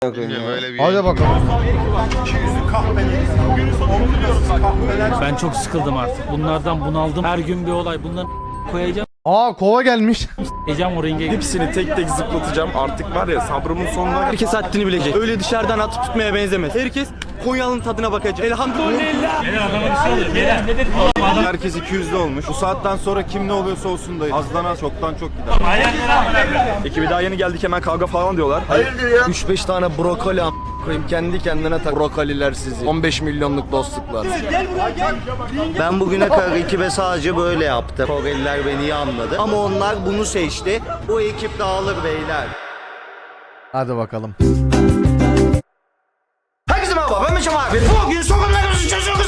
Bilmiyorum öyle bir Hadi bakalım. Ben çok sıkıldım artık. Bunlardan bunaldım. Her gün bir olay. Bunları koyacağım. Aa kova gelmiş. Ecem o ringe. Hepsini tek tek zıplatacağım. Artık var ya sabrımın sonuna. Herkes haddini bilecek. Öyle dışarıdan atıp tutmaya benzemez. Herkes Konyalı'nın tadına bakacak. Elhamdülillah. Beyler adama bir şey oluyor. Beyler nedir? Adam Herkes 200'lü olmuş. Bu saatten sonra kim ne oluyorsa olsun da azdan az çoktan çok gider. Ekibi daha yeni geldik hemen kavga falan diyorlar. Hayırdır ya? 3-5 tane brokoli koyayım kendi kendine tak. Brokoliler sizi. 15 milyonluk dostluklar. Ben bugüne kadar ekibe sadece böyle yaptım. Koreliler beni iyi anladı. Ama onlar bunu seçti. Bu ekip dağılır beyler. Hadi bakalım. Herkese merhaba, ben Meşem abi. Bugün sorunlarımızı çözüyoruz.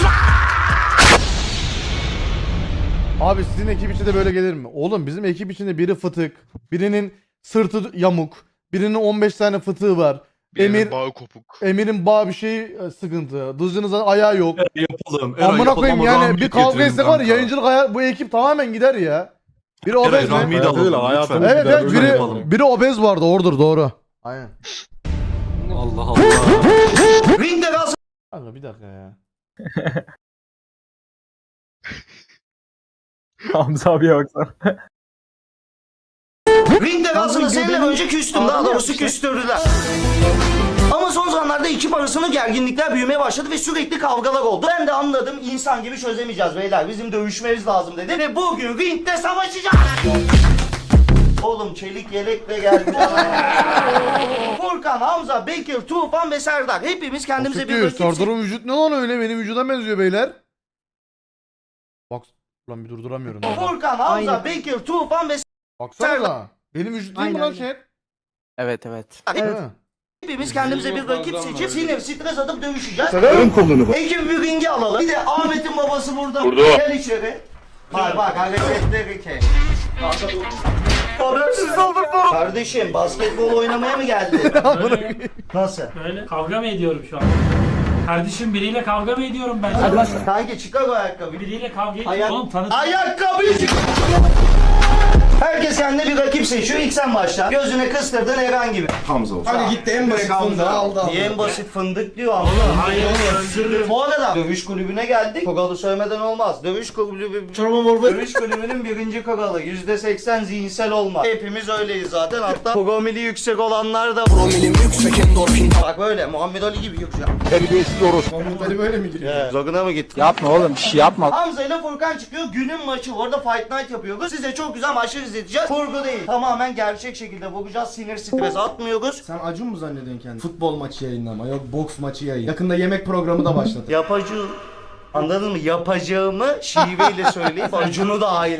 Abi sizin ekip içinde böyle gelir mi? Oğlum bizim ekip içinde biri fıtık, birinin sırtı yamuk, birinin 15 tane fıtığı var. Bağı kopuk. Emir'in bağ bir şey sıkıntı. Dızcınızın ayağı yok. Yapalım. Amına koyayım yani bir kavga etsek var ya, yayıncılık bu ekip tamamen gider ya. Biri obez mi? Rahmi'yi de alalım lütfen. Evet evet Öyle yapalım. biri obez vardı ordur doğru. Aynen. Allah Allah. Ringde kalsın. Kanka bir dakika ya. Hamza abiye baksana. Ringde kalsın seninle önce küstüm. Daha doğrusu küstürdüler. Ama son zamanlarda ekip arasında gerginlikler büyümeye başladı ve sürekli kavgalar oldu. Ben de anladım, insan gibi çözemeyeceğiz beyler. Bizim dövüşmemiz lazım dedi ve bugün ringde savaşacağız. Oğlum çelik yelekle geldi. Furkan, Hamza, Bekir, Tufan ve Serdar. Hepimiz kendimize bir rakip Serdar'ın vücut ne lan öyle, benim vücuda benziyor beyler. Bak lan bir durduramıyorum. Furkan, Hamza, Bekir, Tufan ve Baksana benim vücut değil mi lan şey? Evet evet. Serdar. Hepimiz kendimize bir rakip seçip sinir, stres atıp dövüşeceğiz. Severim kolunu bak. Ekibi bir ringe alalım. Bir de Ahmet'in babası burada. Gel içeri. Bak hareketleri kes. Habersiz olduk bu. Kardeşim basketbol oynamaya mı geldin? Nasıl? Böyle kavga mı ediyorum şu an? Kardeşim biriyle kavga mı ediyorum ben? Kanki çıkar o ayakkabıyı. Biriyle kavga ediyorum. Oğlum tanıt. Ayakkabıyı çıkar. Herkes kendine bir rakip seçiyor. İlk sen başla. Gözüne kıstırdın herhangi bir. Hamza olsun. Hadi gitti en basit fındığı aldı. Niye en basit fındık diyor ama. Hayır öldürürüm. Bu arada dövüş kulübüne geldik. Kogalı söylemeden olmaz. Dövüş kulübünün birinci kogalı. %80 zihinsel olma. Hepimiz öyleyiz zaten. Hatta promili yüksek olanlar da. Promilim yüksek endorfin. Bak böyle Muhammed Ali gibi yüksek. Terbiyesiz orospu. Hadi böyle mi gidiyor? Zoguna mı gittin? Yapma oğlum bir şey yapma. Hamza ile Furkan çıkıyor. Günün maçı. Orada Fight Night yapıyoruz. Size çok güzel maçlar izleteceğiz. Kurgu değil. Tamamen gerçek şekilde vuracağız. Sinir stres atmıyoruz. Sen Acun mu zannediyorsun kendini? Futbol maçı yayınlama, yok boks maçı yayın. Yakında yemek programı da başladı. Yapacağım. Anladın mı? Yapacağımı şiveyle söyleyip Acun'u da aile.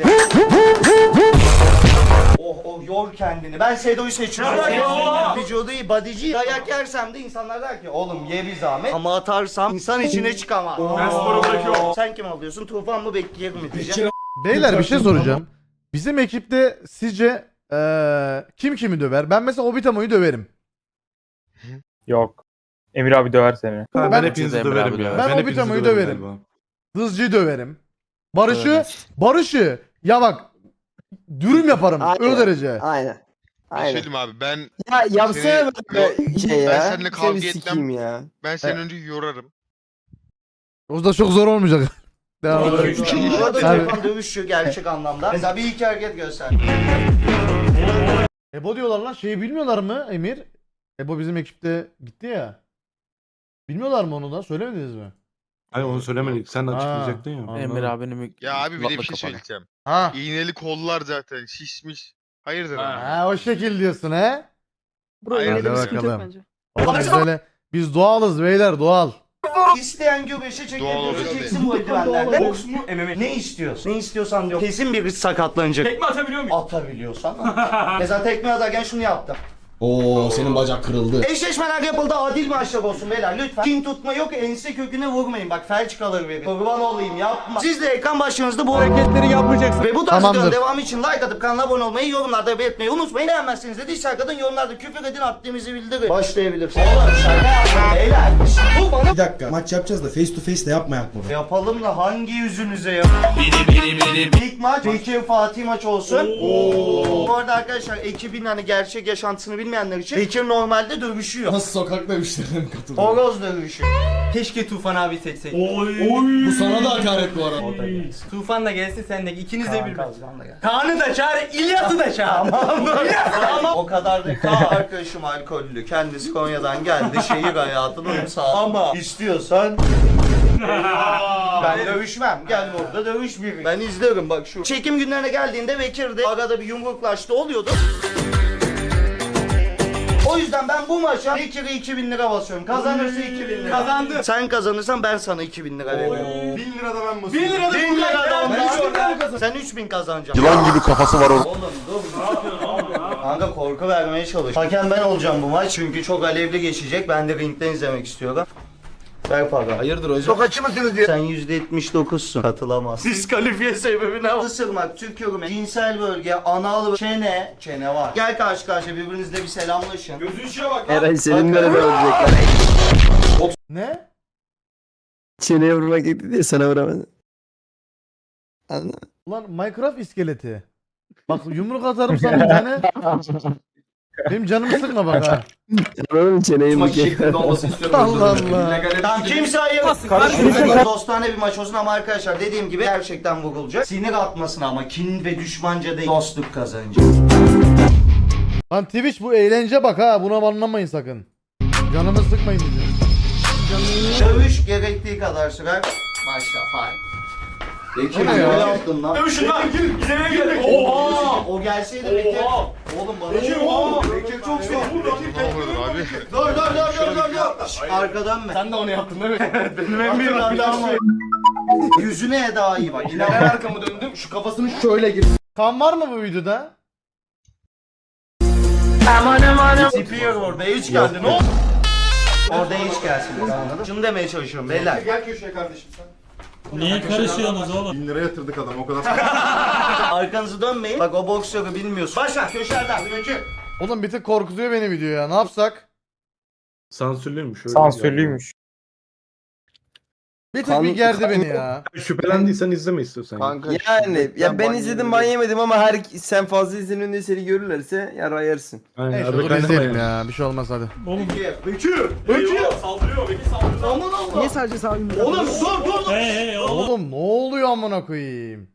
Yor kendini. Ben Sedo'yu seçiyorum. Vücudu iyi, bodyci. Dayak yersem de insanlar der ki oğlum ye bir zahmet. Ama atarsam insan içine çıkamaz. Ben sporu bırakıyorum. Sen kim alıyorsun? Tufan mı Bekir mi diyeceğim. Beyler bir şey soracağım. Bizim ekipte sizce kim kimi döver? Ben mesela Obitamo'yu döverim. Yok. Emir abi döver seni. Ben hepinizi döverim ya. Ben Obitamo'yu döverim. Dızcı'yı döverim. Barış'ı ya bak dürüm yaparım o derece. Aynen. Söyleyeyim abi ben Ya yapsana Seni- böyle şey ya. ben seninle kavga Seni etmem. sikeyim ya. ben seni önce yorarım. O da çok zor olmayacak. Devam Bu edelim. arada Abi. Tufan dövüşüyor gerçek anlamda. Mesela bir iki hareket göster. Ebo diyorlar lan, şeyi bilmiyorlar mı Emir? Ebo bizim ekipte gitti ya. Bilmiyorlar mı onu da? Söylemediniz mi? Hayır onu söylemedik. Sen açıklayacaktın ya. Anladım. Emir abinin Ya abi bir de bir şey söyleyeceğim. Ha. İğneli kollar zaten şişmiş. Hayırdır abi? Ha o şekil diyorsun he? Hayırdır Hadi ya? bakalım. Oğlum biz öyle, biz doğalız beyler, doğal. İsteyen güreşe Doğal çekebilirse olabilir. çeksin bu eldivenlerle. Boks mu? MMA. Ne istiyorsun? Ne istiyorsan diyor. Kesin birisi sakatlanacak. Tekme atabiliyor muyum? Atabiliyorsan. Mesela tekme atarken şunu yaptım. Oo senin bacak kırıldı. Eşleşmeler yapıldı, adil maçlar olsun beyler lütfen. Kin tutma yok, ense köküne vurmayın. Bak felç kalır verin. Kurban olayım yapma. Siz de ekran başınızda bu hareketleri yapmayacaksınız. Ve bu tarz Tamamdır. videonun devamı için like atıp kanala abone olmayı, yorumlarda belirtmeyi unutmayın. Beğenmezseniz de dislike atın, yorumlarda küfür edin, attığımızı bildirin. Başlayabilirsiniz. Oğlum şaka yapma beyler. Bu bana Bir dakika maç yapacağız da face to face de yapmayak bunu. yapalım da hangi yüzünüze ya? İlk maç Bekir Fatih maç olsun. Bu arada arkadaşlar ekibin hani gerçek yaşantısını bilmeyen bilmeyenler için Bekir normalde dövüşüyor. Nasıl sokak dövüşlerine mi katılıyor? Horoz dövüşü. Keşke Tufan abi seçseydik. Bu sana da hakaret bu arada. Tufan da gelsin sen de ikiniz de bir. Kazgan da gel. Kaan'ı da çağır, İlyas'ı da çağır. O kadar da arkadaşım alkollü. Kendisi Konya'dan geldi. Şehir hayatını uyum sağ. Ama istiyorsan ben dövüşmem. Gel burada dövüş bir. Ben izlerim bak şu. Çekim günlerine geldiğinde Bekir'de arada bir yumruklaştı oluyordu. O yüzden ben bu maça Bekir'e 2000 lira basıyorum. Kazanırsa 2000 lira. Kazandı. Sen kazanırsan ben sana 2000 lira veriyorum. 1000 lira da ben 1 lira da 1000 lira da Ben 3000 lira mı kazandım? Sen 3000 kazanacaksın. Yılan gibi kafası var orada. Oğlum dur ne yapıyorsun oğlum? Kanka korku vermeye çalış. Hakem ben olacağım bu maç çünkü çok alevli geçecek. Ben de ringden izlemek istiyorum. Ver para. Hayırdır hocam? Sokakçı mısınız diye. Sen %79'sun. Katılamazsın. Diskalifiye sebebi ne? Isırmak, tükürmek, cinsel bölge, anal, çene. Çene var. Gel karşı karşıya birbirinizle bir selamlaşın. Eray senin böyle ölecekler. Ne? Çeneye vurmak gitti diye sana vuramadı. Anladın mı? Ulan Minecraft iskeleti. Bak yumruk atarım sana bir tane. Benim canımı sıkma bak ha. Anladın mı çeneyi Maç vurmak? şeklinde olmasını istiyorum. Allah özür dilerim. Allah. İllegale Tamam düştü. kimse ayırmasın. Dostane bir maç olsun ama arkadaşlar dediğim gibi gerçekten vurulacak. Sinir atmasın ama kin ve düşmanca değil. Dostluk kazanacak. Lan Twitch bu eğlence bak ha. Buna banlamayın sakın. Canımı sıkmayın bizi. Dövüş gerektiği kadar sürer. Başla fay. Bekir Ne Ne ya? yaptın lan? Dövüşün lan. İzlemeye geldik. Oha! O gelseydi Bekir. Oğlum bana Bekir çok zor. Ne oluyor abi? Dur. Arkadan mı? Sen de onu yaptın değil mi? Benim en büyük hatam Yüzüne Eda iyi bak. Yine ben arkamı döndüm. Şu kafasını şöyle gir. Kan var mı bu videoda? Tipiyor orada hiç geldi. Ne oldu? Orada hiç gelsin. Anladın? Şunu demeye çalışıyorum beyler. Gel köşeye kardeşim sen. Niye karışıyorsunuz oğlum? 1000 lira yatırdık adam o kadar. Arkanızı dönmeyin. Bak o boksörü bilmiyorsun. Başla köşelerden. Bekir. Oğlum bir tık korkutuyor beni video ya. Ne yapsak? Sansürlüymüş. Sansürlüymüş. Bir tık bir gerdi beni ya. Şüphelendiysen izleme istiyorsan. Kanka Yani ya ben ban izledim ban yemedim ama sen fazla izlenin diye seni görürlerse yara yersin. Aynen, Neyse arada dur kaynama izleyelim yani. ya. Bir şey olmaz hadi. Niye sadece sağ Oğlum dur. Hey oğlum. Oğlum ne oluyor amına koyayım?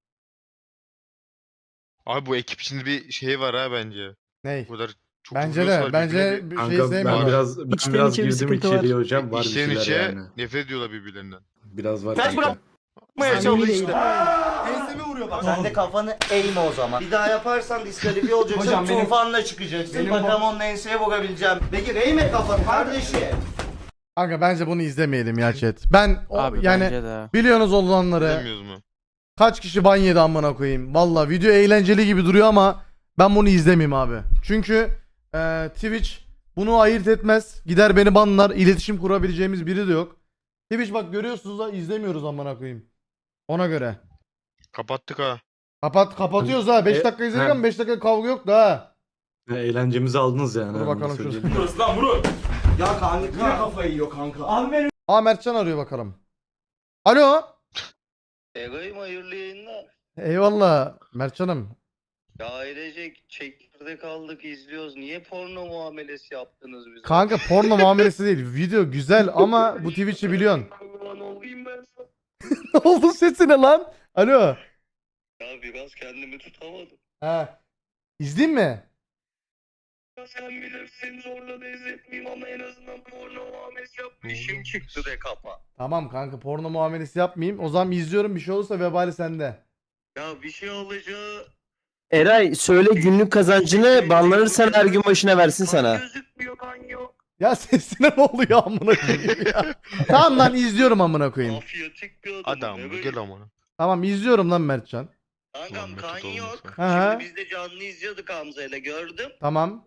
Abi bu ekip içinde bir şey var ha bence. Ney? Bu kadar çok Bence vuruyorsa de. Bence birbirine bir şey Kanka ben sevmiyorum. biraz girdim içeriye hocam. Var bir içten şeyler içe yani. nefret ediyorlar birbirlerinden. Biraz var Kaç kanka. bırak. Yapmaya çalıştı. enseme vuruyor bak. Sen de kafanı eğme o zaman. Bir daha yaparsan diskalifiye olacaksın. Hocam benim- Tufanla çıkacaksın. benim Bakalım onun enseye vurabileceğim. Peki eğme kafanı kardeşim. Kanka bence bunu izlemeyelim ya chat. Ben yani de. biliyorsunuz olanları. Bilmiyoruz mu? Kaç kişi ban yedi amına koyayım. Valla video eğlenceli gibi duruyor ama ben bunu izlemeyeyim abi. Çünkü Twitch bunu ayırt etmez. Gider beni banlar. İletişim kurabileceğimiz biri de yok. Twitch bak görüyorsunuz da izlemiyoruz amına koyayım. Ona göre. Kapattık ha. Kapatıyoruz ha. 5 dakika izledik ama 5 dakika kavga yok da ha. Eğlencemizi aldınız yani. Dur ha, bakalım onu şurada. söyleyeyim. Ya kanka. Yine kafayı yiyor kanka. Aa Mertcan arıyor bakalım. Alo. Ego'yum hayırlı yayınlar. Eyvallah Mertcan'ım. Ya ailecek çekirdek aldık izliyoruz. Niye porno muamelesi yaptınız bize? Kanka porno muamelesi değil. Video güzel ama bu Twitch'i biliyorsun. Lan olayım ben sana. Ne oldu sesine lan? Alo. Ya biraz kendimi tutamadım. Ha. İzleyeyim mi? Ya sen bilirsin zorla da izletmeyeyim ama en azından porno muamelesi yap. İşim çıktı de kapa. Tamam kanka porno muamelesi yapmayayım. O zaman izliyorum bir şey olursa vebali sende. Ya bir şey olacağı... Eray söyle günlük kazancını banlanırsan her gün başına versin Kan sana. gözükmüyor kan yok. Ya sesine ne oluyor amına koyayım ya. Tamam lan izliyorum amına koyayım. Mafyatik bir adam. Adam bu gel amına. Tamam izliyorum lan Mertcan. Kankam Ulan kan Mesut yok. olmasa. Aha. Şimdi biz de canlı izliyorduk Hamza'yla gördüm. Tamam.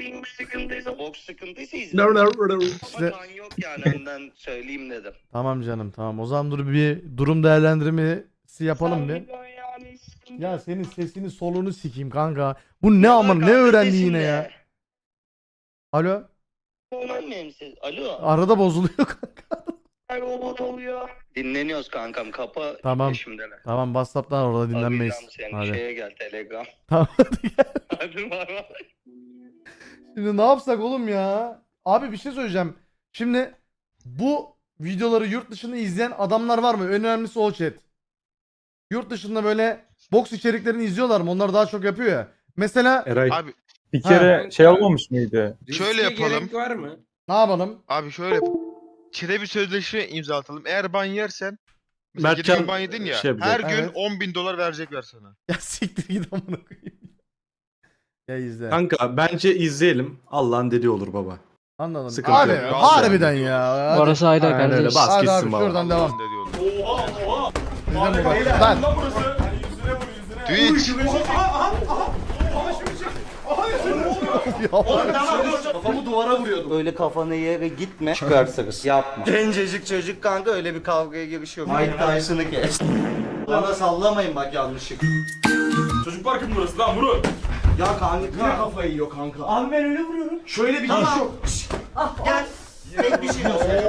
Boks sıkıntıysa izle. İşte Kan yok yani önden söyleyeyim dedim. tamam canım tamam. O zaman dur bir durum değerlendirmesi yapalım bir. Ya senin sesini solunu sikeyim kanka. Bu ne aman ne öğrendi yine ya. Alo. Alo. Arada bozuluyor kanka. Robot oluyor. Dinleniyoruz kankam kapa. Tamam. Peşimdeler. Tamam WhatsApp'tan orada dinlenmeyiz. Arayacağım seni. Hadi. Şeye gel Telegram. Tamam hadi gel. Hadi bay bay. Şimdi ne yapsak oğlum ya? Abi bir şey söyleyeceğim. Şimdi bu videoları yurt dışında izleyen adamlar var mı? En önemlisi o chat. Yurt dışında böyle boks içeriklerini izliyorlar mı? Onlar daha çok yapıyor ya. Mesela Eray. Abi Bir kere şey olmamış mıydı? şöyle yapalım. var mı? ne yapalım? Abi şöyle yapalım. Çete bir sözleşme imza atalım. Eğer ban yersen mesela Mertcan geçen ban yedin ya. şey yapacak. Her gün Evet. 10.000 dolar verecekler sana. Ya siktir git amına koyayım. Ya izle. Kanka bence izleyelim. Allah'ın dediği olur baba. Anladım. Sıkıntı Abi yok. harbiden ya. Hadi. Orası ayrı Aynen öyle, kardeş. bas Hadi gitsin abi baba. şuradan devam. Ne diyorlar? Bizden bu bak. Lan. Twitch. Kafamı duvara vuruyordum. Öyle kafana yere gitme. Çıkartırız. Yapma. Gencecik çocuk kanka öyle bir kavgaya girişiyor. Mike Tyson'ı kes. Bana sallamayın bak yanlışlıkla. Çocuk parkı mı burası lan Murat? Ya kanka. Kafayı yiyor kanka. Abi ben öyle vuruyorum. Şöyle bir Tamam. giriş yok. Gel. Tek bir şey göster.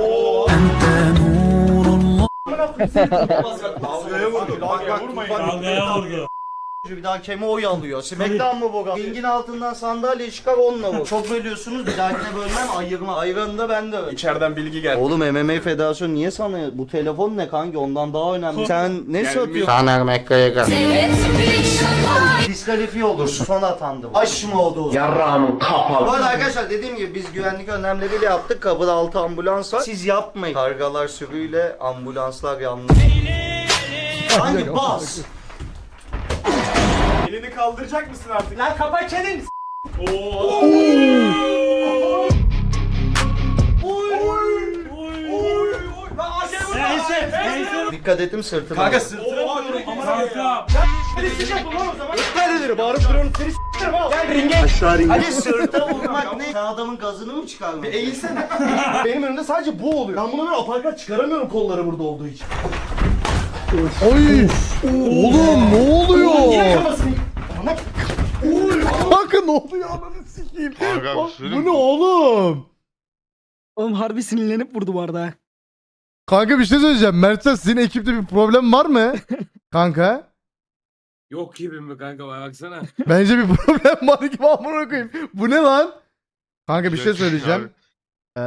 Kavgaya vurdu. Bak vurmayın. Bir daha keme oy alıyor. Smackdown mı bu? Ringin altından sandalye çıkar onunla vur. Çok bölüyorsunuz bir dahakine bölmem ayırma. Ayranı da ben de öyle. İçeriden bilgi geldi. Oğlum MMA Federasyonu niye sana bu telefon ne kanki ondan daha önemli. Sen ne satıyorsun? Taner McGregor. Diskalifiye olursun. Son atandı. Aş mı oldu o zaman? Yarrağımın kapalı. Bu arada arkadaşlar dediğim gibi biz güvenlik önlemleriyle yaptık. Kapıda 6 ambulans var. Siz yapmayın. Kargalar sürüyle ambulanslar yalnız. Hangi bas? Elini kaldıracak mısın artık? Lan kapa çeneni. Dikkat ettim sırtıma. Kanka sırtına vuruyorum. Kanka. Nereleri bağırıp duruyorum seni s**erim ha. Gel ringe. Aşağı ringe. Hadi sırta vurmak ne? Sen adamın gazını mı çıkarmadın? Eğilsene. Benim önümde sadece bu oluyor. Ben buna böyle aparkat çıkaramıyorum kolları burada olduğu için. Oy. Oğlum ne oluyor? Yine kafasını. Ama Kanka ne oluyor ananı sikeyim. Kanka, Bak, söyleyeyim bu ne mi? oğlum? Oğlum harbi sinirlenip vurdu bu arada. Kanka bir şey söyleyeceğim. Mertcan sizin ekipte bir problem var mı? Kanka. Yok gibi mi kanka baksana. Bence bir problem var gibi amına koyayım. Bu ne lan? Kanka bir şey Gerçekten söyleyeceğim. abi.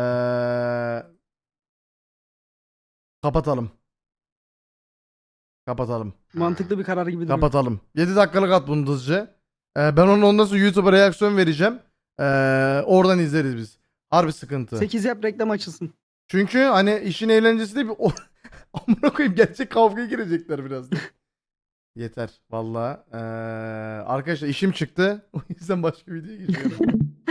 Kapatalım. Kapatalım. Mantıklı bir karar gibi duruyor. Kapatalım. 7 dakikalık at bunu hızlıca. Ben onu ondan sonra YouTube'a reaksiyon vereceğim. Oradan izleriz biz. Harbi sıkıntı. 8 yap reklam açılsın. Çünkü hani işin eğlencesi de bir amına koyayım gerçek kavgaya girecekler birazdan. Yeter valla. Arkadaşlar işim çıktı. O yüzden başka videoya geçiyorum.